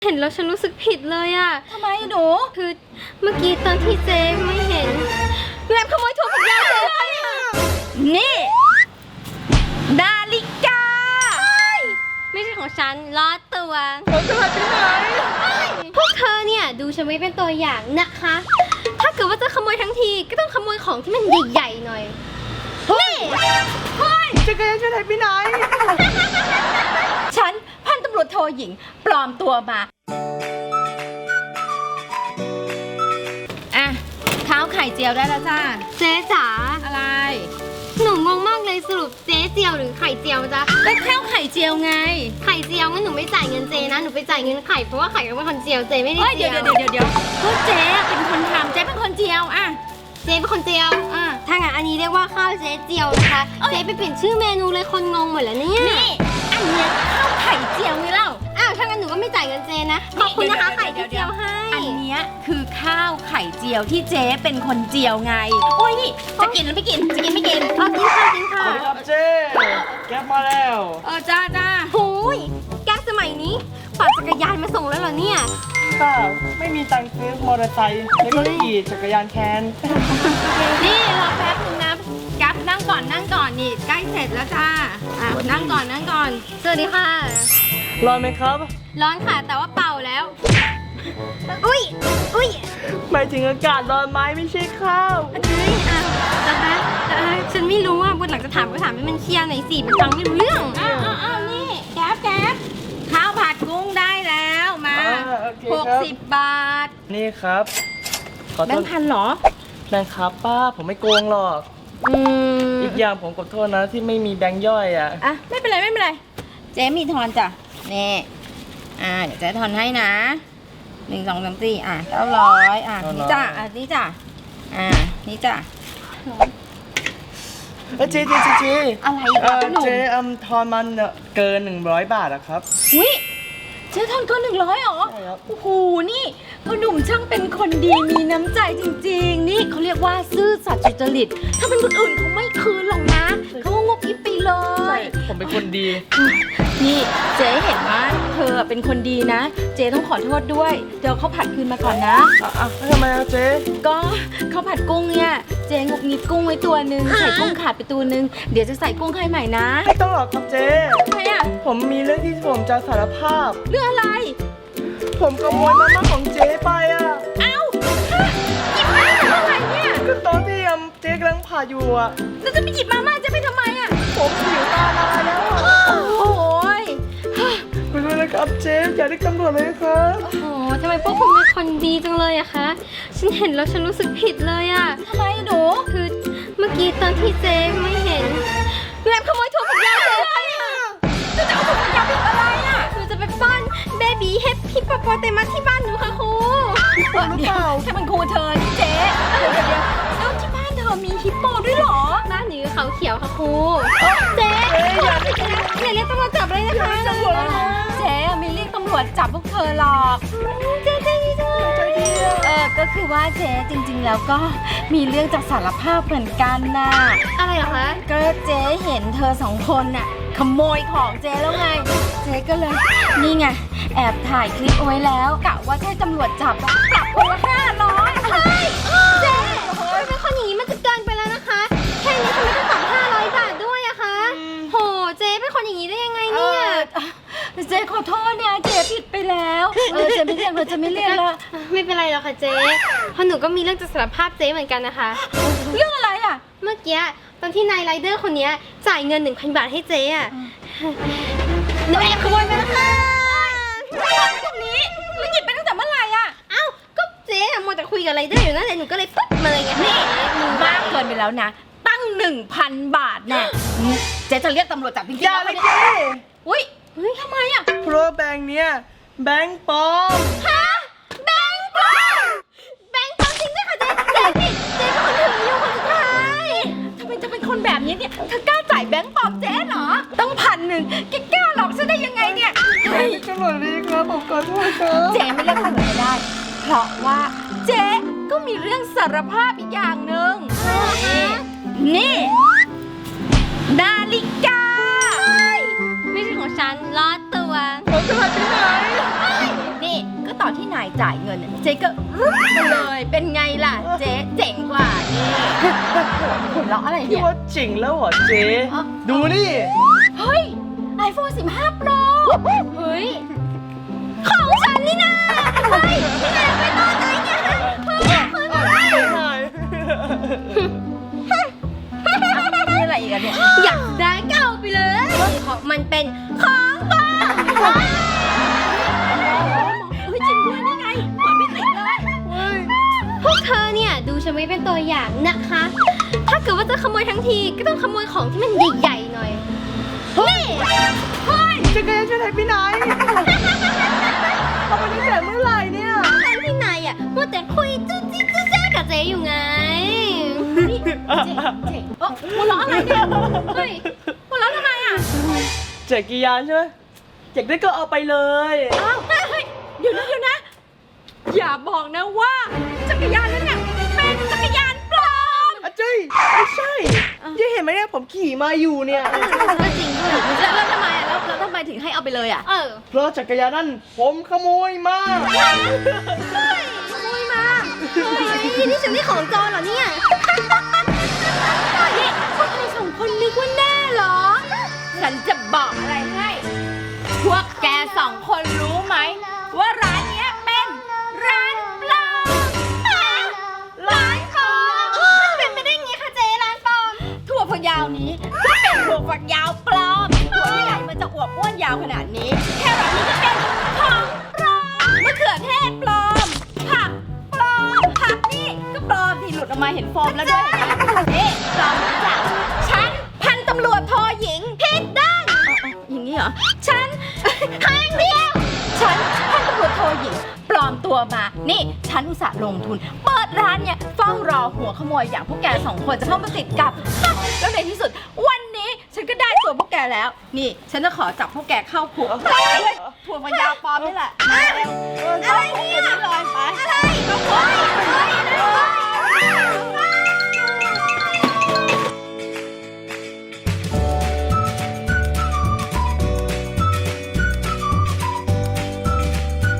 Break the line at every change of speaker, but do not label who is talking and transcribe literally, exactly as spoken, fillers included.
เห็นแล้วฉันรู้สึกผิดเลยอะ
ทำไมหนู
คือเมื่อกี้ตอนที่เจ๊ไม่เห็นแอบขโมยโทรศัพท์ยายเจ๊ไปอะ
นี่นาฬิกา
ไม่ใช่ของฉันล้อตัว
ของฉันไปไหน
พวกเธอเนี่ยดูฉันไว้เป็นตัวอย่างนะคะ ถ้าเกิดว่าจะขโมยทั้งทีก็ต้องขโมยของที่มันใหญ่ๆหน่อยนี่
เฮ้ยจะกระยันจะไหนไปไหนฉันพันตำรวจโทหญิงปลอมตัวมาอ่ะข้าวไข่เจียวได้แล้วจ้า
เจ๊จ๋า
อะไร
หนูงงมากเลยสรุปเจ๊เจียวหรือไข่เจียวจ๊ะ
ก็ข้าวไข่เจียวไง
ไข่เจียวงั้นหนูไม่จ่ายเงินเจนะหนูไปจ่ายเงินไข่เพราะว่าไข่เป็นคนเจียวเจไม่ได้
เจียวเดี๋ยวเดี๋ยวเดี๋ยวก็เจ๊เป็นคนทำเจ๊เป็นคนเจียวอ่ะ
เจ๊เป็นคนเจียวอ่ะถ้างั้นอันนี้เรียกว่าข้าวเจ๊เจียวนะคะเจ๊ไปเปลี่ยนชื่อเมนูเลยคนงงหมดแล้วเนี่ย
นี่อันนี้ข้าวไข่เจียวไงเล่า
อ้าวถ้างั้นหนูก็ไม่จ่ายเงินเจนะขอบคุณนะคะไข่เจียวให้
อันนี้คือข้าวไข่เจียวที่เจ๊เป็นคนเจียวไงโอ้ยนี่จะกินหรือไม่กินจะกินไม่กิน
เอากินค่ะกินค่ะ
สวัสดีครับเจ๊แก๊ปมาแล้ว
เออจ้าจ้า
หูยแก๊ปสมัยนี้ปั่นจักรยานมาส่งแล้วเหรอเนี่ย
ป้าไม่มีตังค์ซื้อมอเตอร์ไซค์แล้วก็ขี่จักรยานแคน
นี่รอแป๊บนึงนะแก๊ปนั่งก่อนนั่งก่อนนี่ใกล้เสร็จแล้วจ้าอ่ะนั่งก่อนนั่งก่อน
สวัสดีค่ะ
ร้อนไหมครับ
ร้อนค่ะแต่ว่าเป่าแล้วอุ้ยอุ้ย
หมายถึงอากาศร้อนไหมไม่ใช่ข้าว
เฮ้ยอ่ะแต่แต่ฉันไม่รู้ว่าบนหลังจะถามก็ถามให้มันเคลียร์หน่อยสิมันฟังไม่รู้เรื่อง
อ้าวอ้าวนี่แก๊ปแก๊ปข้าวผัดกุ้งได้แล้วมาหกสิบบาท
นี่ครับ
แบงค์พันหรอ
แบงค์ครับป้าผมไม่โกงหรอก
อืม
อีกอย่างผมขอโทษนะที่ไม่มีแบงค์ย่อยอ่ะ
อ่ะไม่เป็นไรไม่เป็นไรเจ๊มีทอนจ้ะนี่อ่าเดี๋ยวเจ๊ทอนให้นะหนึ่งสองสามสี่อ่ะเก้าร้อยอ่ะนี่จ้ะอ่ะนี่จ้ะอ่ะนี่จ้ะ
เออเจ๊เจ๊เจ๊เจ๊
อะไร
เออเจ๊อมทอนมันเกินหนึ่งร้อยบาทอะครับ
อุ้ยเจ๊ทอนเกินหนึ่งร้อยหรอ
ใช่ครับ
โอ้โหนี่พ่อหนุ่มช่างเป็นคนดีมีน้ำใจจริงๆนี่เขาเรียกว่าซื่อสัตย์สุจริตถ้าเป็นคนอื่นเขาไม่คืนหรอกนะเขางกอิบไปเลย
ผมเป็นคนดี
นี่เจ๊เห็นว่าเธอเป็นคนดีนะเจ๊ต้องขอโทษด้วยเดี๋ยวเขาผัดคืนมาก่อนนะ
อ่ะทำไมอะเจ๊
ก็ข้าวผัดกุ้งเนี่ยเจ๊งกงิดกุ้งไว้ตัวนึงใส่กุ้งขาดไปตัวนึงเดี๋ยวจะใส่กุ้งให้ใหม่นะ
ไม่ต้องหรอกครับเจ๊
ทำไมอะ
ผมมีเรื่องที่ผมจะสารภาพ
เรื่องอะไร
ผมขโมยมาม่าของเจ๊ไปอ่ะ
เอ้าหยิบมาอะไรเนี่ย
ก็ตอนที่เจ๊กำลังผ่าอยู่อ่ะ
แล้วจะไปหยิบมาม่าจะไปทำไมอ่ะ
ผมหิวตาลายแล้วอ่ะ
โอ้ย
ไปเลยนะครับเจ๊อย่าเรียกตำรวจเลยครับ
โอ้โหทำไมพวกคุณเป็นคนดีจังเลยอะคะฉันเห็นแล้วฉันรู้สึกผิดเลยอะ
ทำไมหนู
คือเมื่อกี้ตอนที่เจ๊ไม่เห็นแอบขโมยโทรศัพท์ยายเจ๊ไปอะ
จะจะเอาโทรศัพท์ยายไปอะไรอะ
หนูจะไปป้อนเบบี้เฮปปี้ปอปอเตมัสที่บ้านหนูค่ะครู
หรือเปล่า
ถ้ามันครูเธอที่เจ๊เดี๋ยวเดี๋ยวแล้วที่บ้านเธอมีฮิปโปด้วยหรอ
บ้านหนูเขาเขียวค่ะครูเจ๊อย่าเรียกตำรวจจับเลยนะคะ
เจ๊ไม่เรียกตำรวจจับพวกเธอหรอก
เจ๊ใจดีจัง
เออก็คือว่าเจ๊จริงๆแล้วก็มีเรื่องจะสารภาพเหมือนกันน่ะ
อะไรเหรอคะ
ก็เจ๊เห็นเธอสองคนน่ะขโมยของเจ๊แล้วไงเจ๊ก็เลยนี่ไงแอบถ่ายคลิปเอาไว้แล้วกะว่าถ้าตำรวจจับปรับคนละห้าร้อย
เฮ้ยเจ๊เป็นคนอย่างนี้มันจะเกินไปแล้วนะคะแค่นี้ทำไมต้องปรับห้าร้อยบาทด้วยอะคะโหเจ๊เป็นคนอย่างนี้ได้ยังไงเนี่ย
เจ๊ขอโทษเนี่ยเจ๊ผิดไปแล้วเออเจ๊ไม่เรียกเราจะไม่เรียกแล้ว
ไม่เป็นไรหรอกค่ะเจ๊เพราะหนูก็มีเรื่องจะสารภาพเจ๊เหมือนกันนะคะ
เรื่องอะไรอ่ะ
เมื่อกี้ตอนที่นายไรเดอร์คนนี้จ่ายเงินหนึ่งพันบาทให้เจ๊อะหนูแอบขโมยไปแล้วค่ะ
ตรงนี้มันหยิบไปตั้งแต่เมื่อไหร่อ่ะ
เอ้าก็เจ๊อะมัวแต่คุยกับไรเดอร์อยู่นั่นเลยหนูก็เลยปุ๊บมาเลยไง
นี่มึงมากเกินไปแล้วนะตั้งหนึ่งพันบาทแน่เจ๊จะเรียกตำรวจจับจริงๆ
อย่าเลยเจ๊
อุ้ยเฮ้ยทำไมอ่ะ
เพราะแบงค์เนี้ยแบงค์ปลอม
ฮะแบงค์ปลอมแบงค์ปลอมจริงด้วยค่ะเจ๊เจ๊ผิดเจ๊เป็นคนถืออยู่คนสุดท้าย
ทำไมจะเป็นคนแบบนี้เนี่ยเธอกล้าจ่ายแบงค์ปลอมเจ๊เหรอต้องพันหนึ่งแกกล้าหลอกฉันได้ยังไงเนี่ย
เฮ้ยตำรวจดีครับผมขอโทษครับ
เจ๊ไม่เรียกตำรวจไม่ได้เพราะว่าเจ๊ก็มีเรื่องสารภาพอีกอย่างหนึ่งนี่นาฬิกา
ไม่ใช่ของฉันล้อตัว
ของฉันไปไหน
นี่จ่ายเงินเจ๊ก็รุดไปเลยเป็นไงล่ะเจ๊เจ๋งกว่านี่หัวเราะอะไร
พี่
เนี่ย
ว่าจริงแล้วเหรอเจ๊
อ๋อ
ดูนี่
เฮ้ย iPhone สิบห้า Pro
เฮ้ย ของฉันนี่นะเฮ้ยพี่นายไปตอนไหนเนี่ยฮะเฮ้ยเฮ้ยเฮ้ย
ไม่หาย
มีอะไรอีกอะเนี่ย
อยากได้เก่าไปเลยเพราะมันเป็นของปลอมเฮ้ยจริงด้วยนี่ไงหมอนไม่ติดเลย พวกเธอเนี่ยดูฉันไว้เป็นตัวอย่างนะคะ ถ้าเกิดว่าจะขโมยทั้งทีก็ต้องขโมยของที่มันใหญ่ๆหน่อย นี่เฮ้ย
จักรยานช่วยไทยพี่ไหนเอาไปตั้งแต่เมื่อไหร่เนี่ย
ตอนที่นายอ่ะมัวแต่คุยจุ๊จิ๊จุ๊แจ๊กับเจ๊อยู่ไงนี่เจ๊เจ๊เอ้อหัวเราะอะไรเนี่ยเฮ้ยหัวเราะทำไมอ่ะ
จักรยานใช่ไหมอยากได้ก็เอาไปเลย
อ้าวเฮ้ยเดี๋ยวนะเดี๋ยวนะ อย่าบอกนะว่าจักรยานนั้นเนี่ยเป็นจักรยานปลอม
อาจารย์ไม่ใช่ยังเห็นไหมเนี่ยผมขี่มาอยู่เนี่ย
ก็จริงด้วยแล้วแล้วทำไมอะแล้วแล้วทำไมถึงให้เอาไปเลยอะ
เออ
เพราะจักรยานนั่นผมขโมยมา
ขโมยมาเฮ้ยนี่ฉันได้ของโจรเหรอเนี่ยนี่พวกเธอสองคนนึกว่าแน่เหรอ
ฉันจะบอกอะไรให้ พวกแกสองคนรู้ไหม ว่าร้านเนี้ยเป็นร้านปลอม
ร้านปลอมมันเป็นไปได้ไงคะเจ๊ร้านปลอม
ถั่วฝักยาวนี้ก็เป็นถั่วฝักยาวปลอมถั่วที่ไหนมันจะอวบอ้วนยาวขนาดนี้ แค่แบบนี้ก็เป็นของปลอมมะเขือเทศปลอม ผักปลอม ผักนี่ก็ปลอมที่หลุดออกมาเห็นโฟมแล้วด้วยนี่ปลอมจากฉันพันตำรวจโทหญิงผิดด้านอย่างนี้เหรอ ฉัน ข้างเดียว ฉันพันตำรวจโทหญิงปลอมตัวมา นี่ ฉันอุตส่าห์ลงทุน เปิดร้านเนี่ยเฝ้ารอหัวขโมยอย่างพวกแกสองคนจะเข้ามาติดกับ แล้วในที่สุด วันนี้ฉันก็ได้ตัวพวกแกแล้ว นี่ ฉันจะขอจับพวกแกเข้าคุกด้วยถั่วฝักยาวปลอมนี่แหละนะ